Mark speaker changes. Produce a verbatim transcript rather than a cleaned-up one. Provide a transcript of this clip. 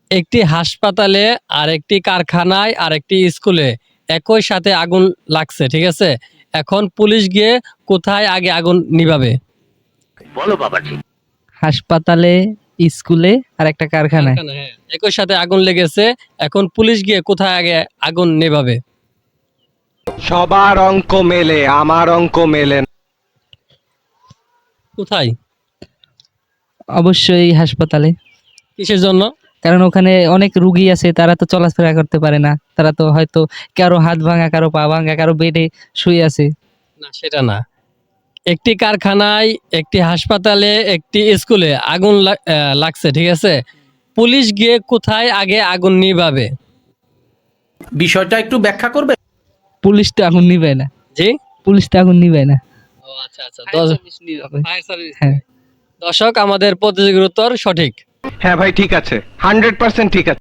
Speaker 1: একটি হাসপাতালে আর একটি কারখানায় আর একটি স্কুলে একই সাথে আগুন লাগছে, ঠিক আছে? এখন পুলিশ গিয়ে কোথায় আগে আগুন নিভাবে?
Speaker 2: হাসপাতালে, স্কুলে আর একটা কারখানায়।
Speaker 1: কারখানা, হ্যাঁ। একই সাথে আগুন লেগেছে, এখন পুলিশ গিয়ে কোথায় আগে আগুন নেভাবে?
Speaker 3: সবার অঙ্ক মেলে, আমার অঙ্ক মেলে না।
Speaker 1: কোথায়?
Speaker 2: অবশ্যই হাসপাতালে।
Speaker 1: কিসের জন্য?
Speaker 2: কারণ ওখানে অনেক রুগী আছে, তারা তো চলাফেরা করতে পারে না, তারা তো হয়তো কারো হাত ভাঙা, কারো পা ভাঙা, কারো বেডে শুয়ে আছে।
Speaker 1: না, সেটা না। একটি কারখানায়, একটি হাসপাতালে, একটি স্কুলে আগুন লাগ- আহ, লাগছে, ঠিক আছে? পুলিশ গিয়ে কোথায় আগে আগুন নিভাবে?
Speaker 4: বিষয়টা একটু ব্যাখ্যা করবে?
Speaker 2: পুলিশ তো আগুন নিবে না,
Speaker 1: জি।
Speaker 2: পুলিশ তো আগুন নিবে না।
Speaker 1: ও আচ্ছা আচ্ছা। দশ- ফায়ার সার্ভিস।
Speaker 2: হ্যাঁ।
Speaker 1: দর্শক, আমাদের প্রতিযোগীর উত্তর সঠিক।
Speaker 3: হ্যাঁ ভাই, ঠিক আছে, হান্ড্রেড পার্সেন্ট ঠিক আছে।